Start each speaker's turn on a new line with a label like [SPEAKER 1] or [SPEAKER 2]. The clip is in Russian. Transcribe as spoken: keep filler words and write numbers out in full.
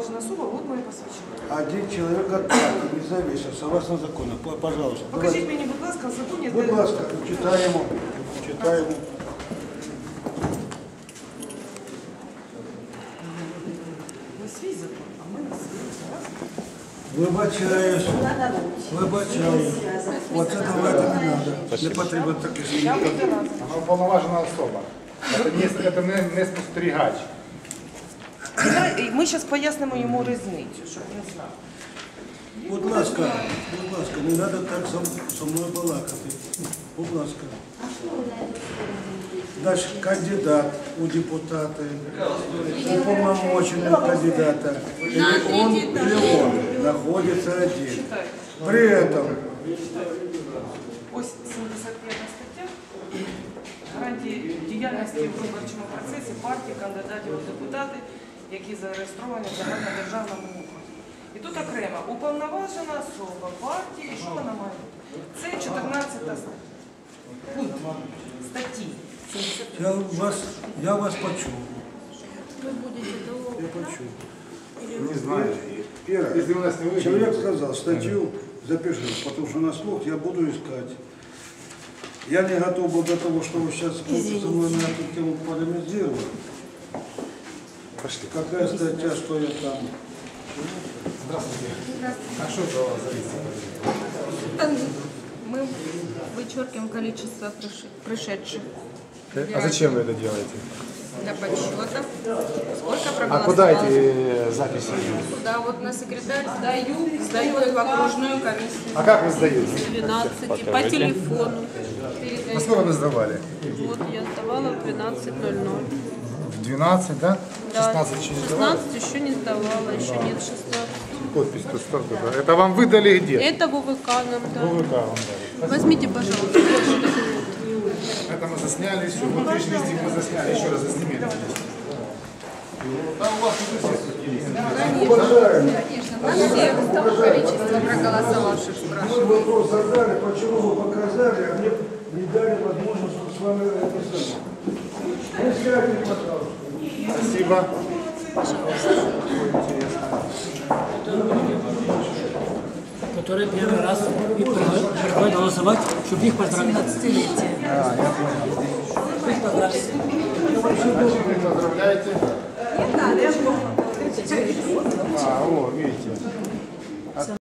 [SPEAKER 1] уполноважена особа, вот моє посвідчення.
[SPEAKER 2] Один человек от партии не зависит, согласно закону. Пожалуйста.
[SPEAKER 1] Покажіть мені, будь ласка, в законі,
[SPEAKER 2] Будь
[SPEAKER 1] де...
[SPEAKER 2] ласка, читаємо, читаємо.
[SPEAKER 1] Ви свій закон, а ми не свій.
[SPEAKER 2] Вибачаюсь, вибачаюсь. Оце давайте не треба. Не потрібно таке
[SPEAKER 1] Я
[SPEAKER 2] зміни.
[SPEAKER 1] буду разом.
[SPEAKER 3] Вона уповноважена особа. Це не, це не, не спостерігач.
[SPEAKER 1] Ми зараз пояснимо йому різницю, щоб він знав.
[SPEAKER 2] Будь ласка, будь ласка, не треба так зо- зо мною балакати. Будь ласка. Дальше кандидат у депутаты, уполномоченный кандидата, или он, или он находится один. При этом
[SPEAKER 1] Ось сімдесят п'ята стаття. Гарантії діяльності в виборчому процесі партії, кандидатів у депутати, які зареєстровані в загальнодержавному окрузі. І тут окремо уповноважена особа партії, і що вона має бути? Це чотирнадцята стаття. Статті.
[SPEAKER 2] я вас, я вас почув.
[SPEAKER 4] Вы будете долго.
[SPEAKER 2] Я почув.
[SPEAKER 3] Не знаю.
[SPEAKER 2] Первое.
[SPEAKER 3] Если у нас не выйдет.
[SPEAKER 2] Человек сказал, статью запишу, потому что на слух я буду искать. Я не готов был до того, что вы сейчас со мной на эту тему полемизировали.
[SPEAKER 3] Пошли.
[SPEAKER 2] Какая статья, что я там?
[SPEAKER 3] Здравствуйте. А что это у вас за
[SPEAKER 4] Там мы вычеркиваем количество приши- пришедших
[SPEAKER 3] А зачем вы это делаете?
[SPEAKER 4] для подсчета. Сколько
[SPEAKER 3] А
[SPEAKER 4] проголосовало?
[SPEAKER 3] куда эти записи идут?
[SPEAKER 4] Да, вот на секретарь сдаю, сдаю их в окружную комиссию.
[SPEAKER 3] А как вы сдаете?
[SPEAKER 4] двенадцать по телефону.
[SPEAKER 3] На сколько вы сдавали?
[SPEAKER 4] Вот я сдавала в двенадцать ноль ноль.
[SPEAKER 3] В двенадцать, да?
[SPEAKER 4] Да,
[SPEAKER 3] шестнадцать еще не сдавали?
[SPEAKER 4] шестнадцать еще не сдавала, еще нет шестнадцать.
[SPEAKER 3] Подпись тут столько. Это вам выдали где?
[SPEAKER 4] Это в ОВК нам
[SPEAKER 3] В
[SPEAKER 4] дали.
[SPEAKER 3] ВВК вам дали.
[SPEAKER 4] Возьмите, пожалуйста, ваши документы.
[SPEAKER 3] Это мы засняли, все. Вот лишний листик мы засняли, еще раз засними. Там у вас уже все
[SPEAKER 4] Конечно, на всех количество проголосовавших
[SPEAKER 2] Мой
[SPEAKER 4] спрашивают.
[SPEAKER 2] вопрос задали, почему вы показали, а мне не дали возможность с вами это самое. Ну, скажите, пожалуйста.
[SPEAKER 3] Спасибо.
[SPEAKER 5] которые первый раз и приходят голосовать, чтобы их поздравить. пятнадцатилетие. Их поздравить.
[SPEAKER 3] Поздравляйте. А, о, видите.